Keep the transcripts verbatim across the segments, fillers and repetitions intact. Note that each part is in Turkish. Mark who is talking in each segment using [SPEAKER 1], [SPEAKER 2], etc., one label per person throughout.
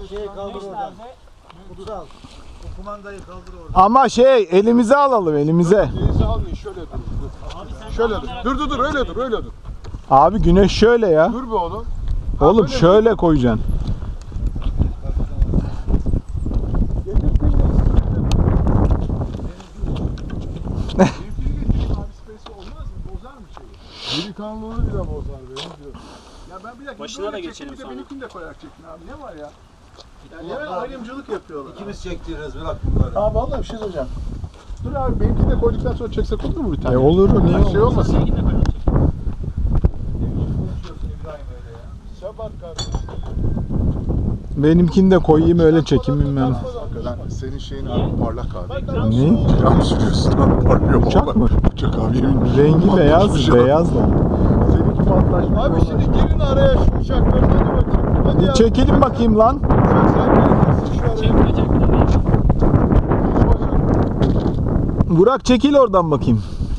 [SPEAKER 1] Şeyi kaldır oradan. Kutsal. O kumandayı kaldır oradan.
[SPEAKER 2] Ama şey elimize alalım elimize.
[SPEAKER 3] Elinize almayın şöyle dur. Şöyle dur. Dur dur dur öyle dur öyle dur.
[SPEAKER 2] Abi güneş şöyle ya.
[SPEAKER 3] Dur be oğlum.
[SPEAKER 2] Oğlum şöyle koyacaksın.
[SPEAKER 3] Delikanlılığını bile bozar benim diyor. Ya ben bir dakika
[SPEAKER 4] Başına da geçelim
[SPEAKER 3] bir de
[SPEAKER 4] sonra.
[SPEAKER 3] benimkini de koyarak çekin abi. Ne var ya? Yani yine ayrımcılık yapıyorlar.
[SPEAKER 1] İkimiz çektiririz bırak bunları.
[SPEAKER 3] Abi vallahi bir şey söyleyeceğim. Dur abi benimkini de koyduktan sonra çeksek olur mu bir tane?
[SPEAKER 2] E olur niye
[SPEAKER 3] Bir şey
[SPEAKER 2] olmaz?
[SPEAKER 3] olmasın.
[SPEAKER 4] Sevgili de koyalım.
[SPEAKER 1] Konuşuyorsun İbrahim öyle ya.
[SPEAKER 3] Şabat kardeşim.
[SPEAKER 2] Benimkini de koyayım öyle çekeyim ben.
[SPEAKER 3] Hakikaten senin şeyin abi parlak abi.
[SPEAKER 2] Ne?
[SPEAKER 3] Ya mı sürüyorsun abi parlıyor.
[SPEAKER 2] Uçak mı?
[SPEAKER 3] Uçak abi yemin.
[SPEAKER 2] Rengi beyaz, beyaz da.
[SPEAKER 3] Seninki patlaşmış. Abi şimdi girin araya şu uçakları hadi bakayım. Hadi
[SPEAKER 2] Bir
[SPEAKER 3] ya.
[SPEAKER 2] çekelim bakayım lan.
[SPEAKER 3] Uçak sen gelirsin şu araya.
[SPEAKER 4] Çekmeyecek bir de değil.
[SPEAKER 3] Hiç bacak.
[SPEAKER 2] Burak çekil oradan bakayım.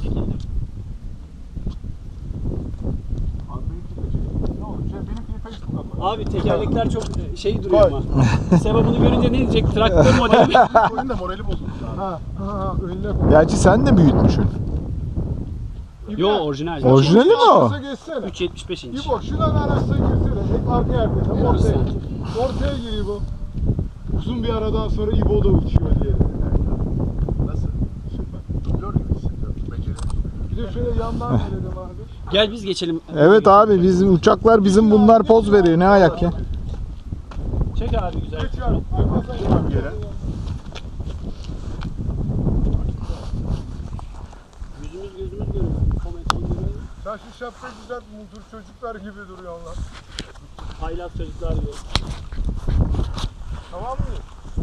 [SPEAKER 3] Abi benimki de çek. Ne olur şey benimkini Facebook'a koy.
[SPEAKER 4] Abi tekerlekler çok şey duruyor ama. Seba bunu görünce ne diyecek? Traktör modeli.
[SPEAKER 3] Koyun da morali bozuldu abi. Ha ha önüne koy.
[SPEAKER 2] Gerçi sen de büyütmüşsün.
[SPEAKER 4] Yo orijinal.
[SPEAKER 2] Orijinali mi o?
[SPEAKER 3] Arkasına geçsene.
[SPEAKER 4] üç yetmiş beş inç.
[SPEAKER 3] İbo şuradan arasına girsene. Hep arka yerde. Tam
[SPEAKER 4] Yarısı
[SPEAKER 3] ortaya.
[SPEAKER 4] sanki.
[SPEAKER 3] Ortaya gir İbo. Uzun bir aradan sonra İbo da uçuyor diye. Nasıl? Süper. Dublör gibi hissediyorum. Beceriyorum. Bir de şöyle yandan verelim abi.
[SPEAKER 4] Gel biz geçelim.
[SPEAKER 2] Evet abi bizim uçaklar bizim bunlar poz veriyor ne ayak ya.
[SPEAKER 4] Çek abi güzel.
[SPEAKER 3] Geç abi. Arkadan geçelim yere.
[SPEAKER 4] Yüzümüz gözümüz görüyor. Kometini görüyor.
[SPEAKER 3] Sen şu şapka güzel mudur çocuklar gibi duruyorsun lan.
[SPEAKER 4] Haylaz çocuklar gibi.
[SPEAKER 3] Tamam mı?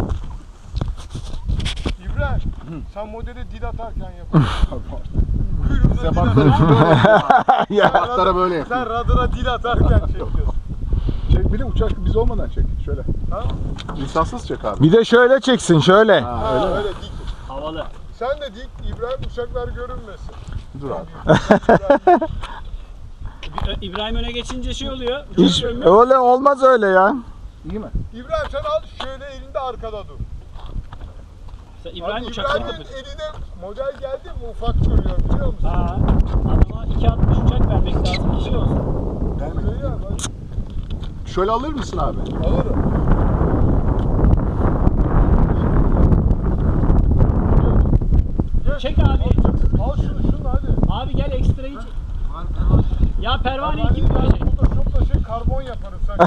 [SPEAKER 3] İbrahim, sen modeli dil atarken yapıyorsun. Kuyruğuna dil atarken.
[SPEAKER 2] Ya.
[SPEAKER 3] Atlara böyle yapıyor. Sen radara dil atarken çekiyorsun. Çek bir de uçak biz olmadan çek. Şöyle. Tamam. İnsansız çek abi.
[SPEAKER 2] Bir de şöyle çeksin şöyle.
[SPEAKER 3] Ha, öyle, öyle dik.
[SPEAKER 4] Havalı.
[SPEAKER 3] Sen de dik, İbrahim uçaklar görünmesin. Dur abi.
[SPEAKER 4] İbrahim öne geçince şey oluyor.
[SPEAKER 2] Hiç öyle olmaz öyle ya.
[SPEAKER 3] İyi mi? İbrahim sen al şöyle elinde arkada dur.
[SPEAKER 4] Sen İbrahim
[SPEAKER 3] Abi,
[SPEAKER 4] uçakları
[SPEAKER 3] İbrahim'in
[SPEAKER 4] kapatıyor.
[SPEAKER 3] eline model geldi mi ufak duruyor biliyor musun?
[SPEAKER 4] Ha. Adama iki altmış uçak vermek lazım ki şey olsun.
[SPEAKER 3] Öyle ya, bak. Şöyle alır mısın abi? Alırım.
[SPEAKER 4] Çek abi.
[SPEAKER 3] Al şunu şunu hadi.
[SPEAKER 4] Abi gel ekstrayı çek. Ya pervaneyi kim
[SPEAKER 3] Ben
[SPEAKER 4] görecek?
[SPEAKER 3] Photoshop'la şey karbon yaparım sen.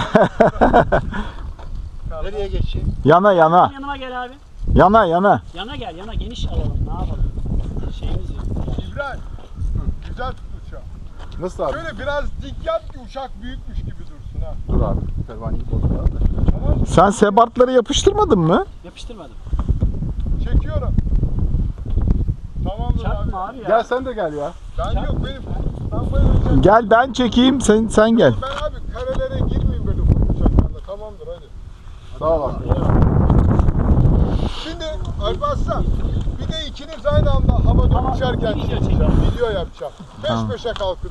[SPEAKER 1] Nereye geçeyim?
[SPEAKER 2] Yana yana.
[SPEAKER 4] Yanıma gel abi.
[SPEAKER 2] Yana yana.
[SPEAKER 4] Yana gel, yana geniş alalım. Ne yapalım? Şeyimiz yok.
[SPEAKER 3] İbrahim. Güzel tut uçağı. Nasıl abi? Şöyle biraz dik yap ki uçak büyükmüş gibi dursun ha. Dur abi. Pervaneyi bozma da. Tamam mı?
[SPEAKER 2] Sen sebatları yapıştırmadın mı?
[SPEAKER 4] Yapıştırmadım.
[SPEAKER 3] Çekiyorum. Tamamdır abi.
[SPEAKER 4] Çarpma abi ya.
[SPEAKER 3] Gel sen de gel ya. Ben
[SPEAKER 4] Çarp.
[SPEAKER 3] yok benim. Ben bayılacağım.
[SPEAKER 2] Gel ben çekeyim sen sen gel.
[SPEAKER 3] Ben abi karelere girmeyeyim böyle ufak uçaklarla. Tamamdır hadi. Sağ ol abi. Şimdi Alparslan bir de ikiniz aynı anda havada
[SPEAKER 4] Tamam,
[SPEAKER 3] uçarken
[SPEAKER 4] video
[SPEAKER 3] çekeceğim.
[SPEAKER 4] çekelim.
[SPEAKER 3] Video yapacağım. Peş
[SPEAKER 2] Tamam.
[SPEAKER 3] peşe kalkın.